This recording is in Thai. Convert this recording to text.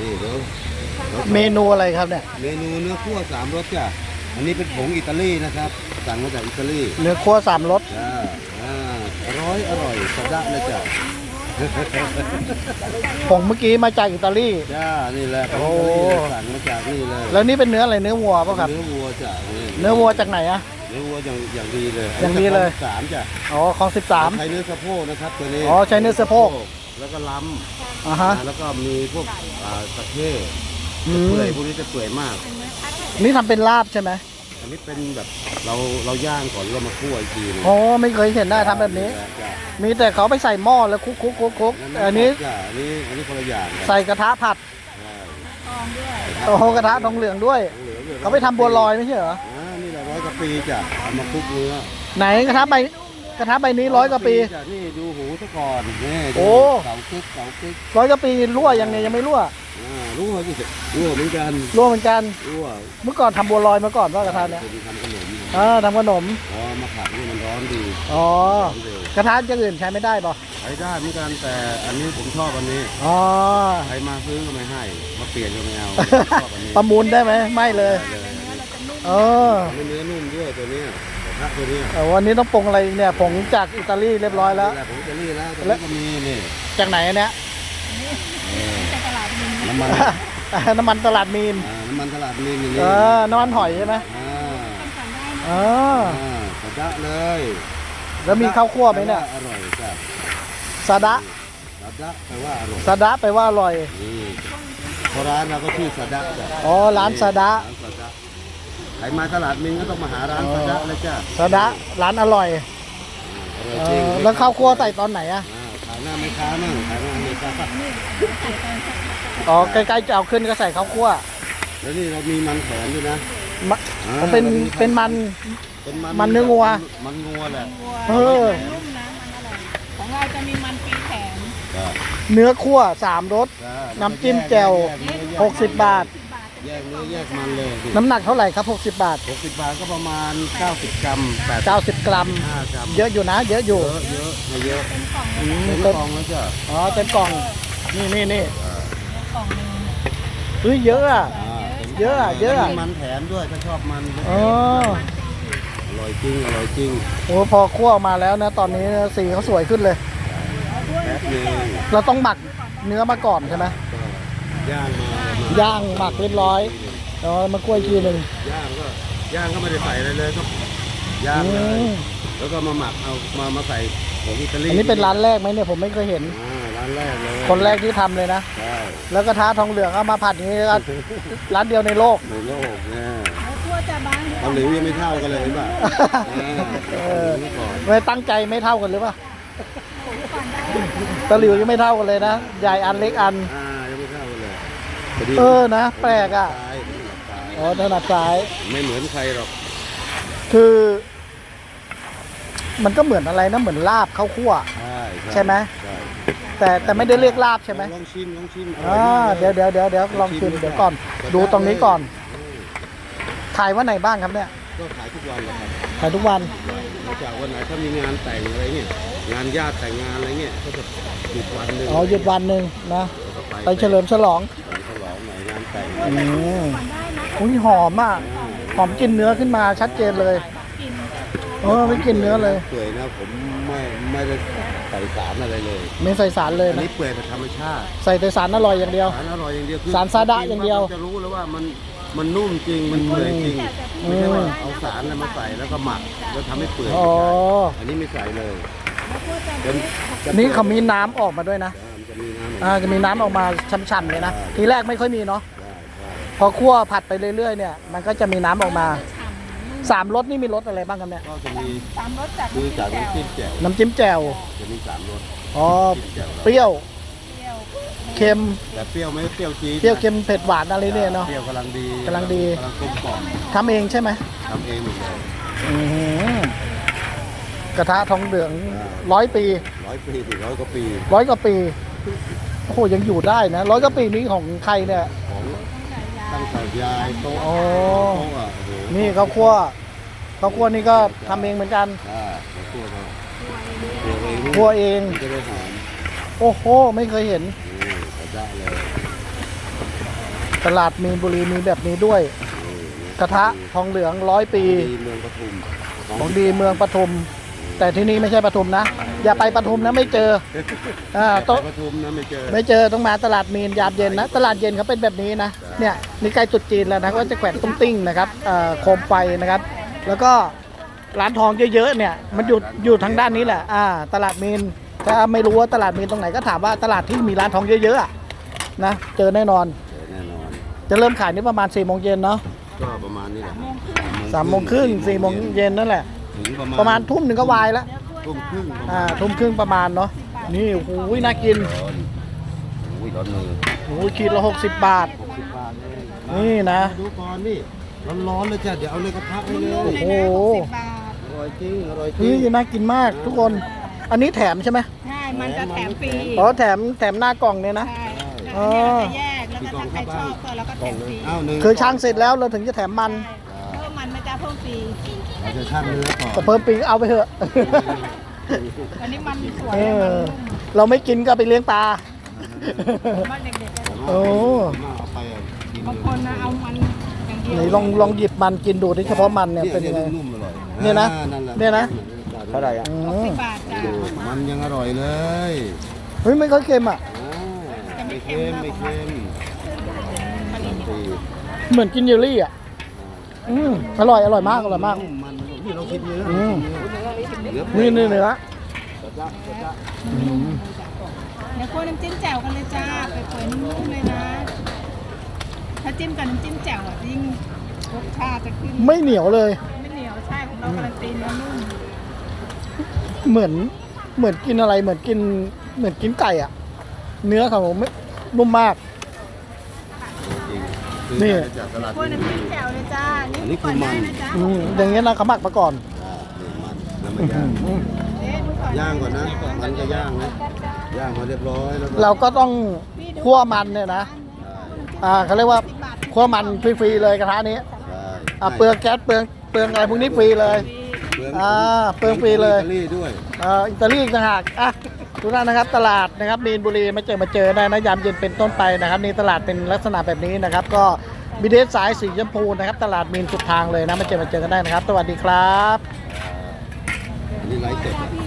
นี่เดี๋ยวเมนูอะไรครับเนี่ยเมนูเนื้อคั่วสามรสจ้ะอันนี้เป็นผงอิตาลีนะครับสั่งมาจากอิตาลีเนื้อคั่วสามรสจ้าอร่อยสะดะเลยจ้ะผงเมื่อกี้มาจากอิตาลีจ้านี่แหละผงโอ้อิตาลีสั่งมาจากนี่เลยแล้วนี่เป็นเนื้ออะไรเนื้อวัวป่ะครับเนื้อวัวจ้ะเนื้อวัวจากไหนอะเนื้อวัวอย่างดีเลยอย่างดีเลยสามจ้ะอ๋อของ13 ใช้เนื้อสะโพกนะครับตัวนี้อ๋อใช้เนื้อสะโพกแล้วก็ล้อ่าฮะำแล้วก็มีพวกตะเข้อืเปื่อยมพวกนี้จะเปื่อยมากนี่ทำเป็นลาบใช่ไหมอันนี้เป็นแบบเราย่างก่อนแล้วมาคั่วอีกทีนึงอ๋อไม่เคยเห็นได้ทำแบบนี้จ้ะมีแต่เขาไปใส่หม้อแล้วคุกๆอันนี้จ้ะอันนี้คนละอย่างกันใส่กระทะผัดใช่โอ้โหกระทะทองเหลืองด้วยหลืองๆเขาไปทำบัวลอยไม่ใช่เหรอนี่แหละ100 กว่าปีจ้ะเอามาคลุกเนื้อไหนกระทะใบนี้100 กว่าปีจ้ะนี่ดูหูซะก่อนนี่โอ้เสาคึก 100 กว่าปีรั่วยังไงยังไม่รั่วรู้ไหมพี่รู้เหมือนกันรั่วเหมือนกันรู้อ่ะเมื่อก่อนทำบัวลอยมาก่อนว่ากระทะเนี้ยคนทำขนมทำขนมอ๋อมาผัดนี่มันร้อนดีอ๋อร้อนเร็วกระทะอย่างอื่นใช้ไม่ได้ป่ะใช้ได้เหมือนกันแต่อันนี้ผมชอบอันนี้อ๋อใครมาซื้อก็ไม่ให้มาเปลี่ยนก็ไม่เอาชอบอันนี้ประมูลได้ไหมไม่เลยได้เลยเอออันนี้เนื้อนุ่มด้วยตัวเนี้ยกระทะตัวเนี้ยแต่วันนี้ต้องปรุงอะไรอีกเนี่ยผงจากอิตาลีเรียบร้อยแล้วนี่หะผมจะรีดแล้วตัวนี้ก็มีนี่จากไหนอันเนี้ยน้ำมันน้ำมันตลาดมีนน้ำมันตลาดมีนอย่างนี้น้ำมันหอยใช่ไหมอ่าเออกระดะเลยแล้วมีข้าวคั่วไหมเนี่ยอร่อยจ้ะซาดะกระดะแปลว่าอร่อยซาดะแปลว่าอร่อยนี่เพราะร้านเราก็ชื่อสะดะจ้ะอ๋อร้านซาดะร้านสะดะใครมาตลาดมินก็ต้องมาหาร้านสะดะเลยจ้ะซาดะร้านอร่อยอร่อยจริงแล้วข้าวคั่วใส่ตอนไหนอะขายหน้าไม่ค้ามั่งขายหน้าไม่ค้าอ๋อใกล้ๆจะเอาขึ้นก็ใส่ข้าวคั่วแล้วนี่เรามีมันแขวนด้วยนะมะเป็นมันเป็นมันเนื้องัวมันงัวแหละเออนุ่มนะมันอร่อยของเราจะมีมันปีแข็งจ้ะเนื้อคั่ว3 รสจ้ะน้ำจิ้มแจ่ว 60 บาทแยกเนื้อแยกมันเลยน้ำหนักเท่าไหร่ครับ60 บาท 60 บาทก็ประมาณ 90 กรัม 90 กรัม 85 กรัมเยอะอยู่นะ เยอะอยู่เยอะไม่เยอะเป็นกล่องอืมเป็นเต็มกล่องแล้วจ้ะอ๋อเต็มกล่อง นี่กล่องหนึ่งเฮ้ยเยอะอะ เยอะอะเยอะอะมีมันแถมด้วยถ้าชอบมันอ๋ออร่อยจริงอร่อยจริงโอ้พอคั่วออกมาแล้วนะ ตอนนี้สีเขาสวยขึ้นเลยแป๊บนึงเราต้องหมักเนื้อมาก่อนใช่ไหมย่างมาย่างหมักเรียบร้อยแล้วมาคั่วอีกทีหนึ่งย่างก็ไม่ได้ใส่อะไรเลยก็ย่างเลยอืมแล้วก็มาหมักเอามาใส่ผงอิตาลีอันนี้เป็นร้านแรกไหมเนี่ยผมไม่เคยเห็นร้านแรกเลยคนแรกที่ทำเลยนะใช่แล้วกระทะทองเหลืองเอามาผัดอย่างนี้ก็ร้านเดียวในโลกในโลกเนี่ยแล้วทั่วจะบางเกาหลียังไม่เท่ากันเลยเห็นป่ะเออก่อนไม่ตั้งใจไม่เท่ากันหรือเปล่าตะหลิวยังไม่เท่ากันเลยนะใหญ่อันเล็กอันยังไม่เท่ากันเลยนะแปลกอ่ะซ้ายอ๋อถนัดซ้ายไม่เหมือนใครหรอกคือ มันก็เหมือนอะไรนะเหมือนลาบข้าวคั่ว ใช่ไหมใช่แต่ไม่ได้เรียกลาบใช่ไหมลองชิมเดี๋ยวลองชิมเดี๋ยวก่อน ดูตรงนี้ก่อนขายวันไหนบ้างครับเนี่ยก็ขายทุกวันแหละครับขายทุกวันนอกจากวันไหนถ้ามีงานแต่งอะไรเงี้ยงานญาติแต่งงานอะไรเงี้ยก็จะหยุดวันหนึ่งอ๋อหยุดวันหนึ่งนะแล้วก็ไปเฉลิมฉลองฉลองหน่อยงานแต่งอุ้ยหอมอ่ะหอมกลินเนื้อขึ้นมาชัดเจนเลยกินไม่กินเนื้อเลยเปื่อยนะผมไม่ได้ใส่สารอะไรเลยไม่ใส่สารเลยอันนะนี้เปื่อยแบบธรรมชาติใส่แต่สารอร่อยอย่างเดียวสารอร่อยอย่างเดียวคือสารซาดะอย่างเดียวจะรู้แล้วว่ามันนุ่มจริงมันเปื่อยจริงไม่ใช่ว่าเอาสารอะไรมาใส่แล้วก็หมักแล้วทำให้เปื่อยอ๋ออันนี้ไม่ใส่เลยนี่เขามีน้ำออกมาด้วยนะมันจะมีน้ำออกมาจะมีน้ำออกมาช่ำๆเลยนะใช่ทีแรกไม่ค่อยมีเนาะได้พอคั่วผัดไปเรื่อยๆเนี่ยมันก็จะมีน้ำออกมา3 รสนี่มีรสอะไรบ้างครับเนี่ยก็จะมีสามรสจากดูจากน้ำจิ้มแจ่วน้ำจิ้มแจ่วจะมี3 รสอ๋อจิ้มแจ่วเปรี้ยวเปรี้ยวเค็มแต่เปรี้ยวไม่เปรี้ยวจี๊ดเปรี้ยวเค็มเผ็ดหวานอะไรเนี่ยเนาะเปรี้ยวกำลังดีกำลังดีกำลังกลมกล่อมทำเองใช่ไหมทำเองหมดเลยอื้อหือกระทะทองเหลือง100 ปี 100 ปีถึง100 กว่าปี 100 กว่าปีโอ้โหยังอยู่ได้นะ100 กว่าปีนี้ของใครเนี่ยของตั้งแต่ยายโต๊ะโอ้โต๊ะอ่ะโอ้โหนี่ข้าวคั่วนี่ก็ทำเองเหมือนกันข้าวคั่วเขาคั่วเองมันจะได้หอมโอ้โหไม่เคยเห็นกระด้เลยตลาดมีนบุรีมีแบบนี้ด้วย กระทะทองเหลือง100 ปีดีเมืองปทุมของดีเมืองปทุม แต่ที่นี่ไม่ใช่ปทุมนะ อย่าไปปทุมนะไม่เจอต้องปทุมนะไม่เจอไม่เจอต้องมาตลาดมีนยามเย็นนะ ตลาดเย็นเขาเป็นแบบนี้นะเนี่ยนี่ใกล้ตรุษจีนแล้วนะก็จะแขวนตุ้งติ้งนะครับโคมไฟนะครับ แล้วก็ร้านทองเยอะๆเนี่ยมันอยู่ทางด้านนี้แหละตลาดมีนถ้าไม่รู้ว่าตลาดมีนตรงไหนก็ถามว่าตลาดที่มีร้านทองเยอะๆอะนะเจอแน่นอนแน่นอนจะเริ่มขายนี่ประมาณ4 โมงเย็นเนาะก็ประมาณนี้แหละ 3 โมงครึ่ง4 โมงเย็นนั่นแหละถึงประมาณทุ่มหนึ่งก็วายแล้วทุ่มครึ่งทุ่มครึ่งประมาณเนาะนี่โอ้โหน่ากินอุ้ยร้อนมือโอ้โหขีดละ60 บาท 60 บาทเลยนี่นะดูก่อนนี่ร้อนๆเลยจ้ะเดี๋ยวเอาเลยกระทะให้เลยโอ้โห 60 บาทอร่อยจริงอร่อยจริเฮ้ยงน่ากินมากทุกคน อันนี้แถมใช่ไหมใช่ มันจะแถมฟรีอ๋อแถมหน้ากล่องเนี่ยนะใช่อ๋อแล้วเนี่ยจะแยก แล้วก็ถ้าใครชอบก็เราก็แถมฟรีอ้าวหนึ่งคือช่างเสร็จแล้วเราถึงจะแถมมันเพิ่มมันไม่จะเพิ่มฟรีเราจะชั่งเนื้อก่อนแต่เพิ่มปีเอาไปเถอะวันนี้มันสวยเอมันอนุ่มเราไม่กินก็ไปเลี้ยงปลามันเด็กๆก็โอ้เอาไปกินบางคนนะเอามันอย่างเดียวไหนลองหยิบมันกินดูที่เฉพาะมันเนี่ยเป็นยังไงนุ่มอร่อยเนี่ยนะแหลเนี่ยนะเท่าไหร่อ่ะอืม 60 บาทจ้ะดูมันยังอร่อยเลยเฮ้ยไม่ค่อยเค็มอ่ะไม่เค็มไม่เค็มฟรีเหมือนกินเยลลี่อ่ะอร่อยมากอร่อยมากมันนี่เราคิดเนื้ออืมเนื้อนี่เนื้อเดี๋ยวคั่วน้ำจิ้มแจ่วกันเลยจ้าไปเปิดนุ่มๆเลยนะ ถ้าจิ้มกับน้ำจิ้มแจ่วอ่ะยิ่งรสชาติจะขึ้นไม่เหนียวเลยไม่เหนียวใช่ของเราการันตีเนื้อนุ่มเหมือนกินอะไรเหมือนกินไก่อ่ะ เนื้อเขาไม่นุ่มมาก นี่จากตลาดคั่วน้ำจิ้มแจ่วเลยจ้าอันนี้คือมันนะจ๊ะอย่างเงี้ยนะเขาหมักมาก่อนมันแล้วมันย่างเอ๊ะดูก่อนย่างก่อนนะมันจะย่างนะย่างมาเรียบร้อยแล้วเราก็ต้องคั่วมันเนี่ยนะเขาเรียกว่าคั่วมันฟรีๆเลยกระทะนี้เปลืองแก๊สเปลืองอะไรพวกนี้ฟรีเลยเปลืองฟรีเลยอิตาลีด้วยอิตาลีอีกต่างหากทุกท่านนะครับตลาดนะครับมีนบุรีมาเจอได้นะยามเย็นเป็นต้นไปนะครับนี่ตลาดเป็นลักษณะแบบนี้นะครับ ก็บีเดสสายสีชมพูนะครับตลาดมีนสุดทางเลยนะมาเจอกันได้นะครับ สวัสดีครับอันนี้ไลฟ์สดพี่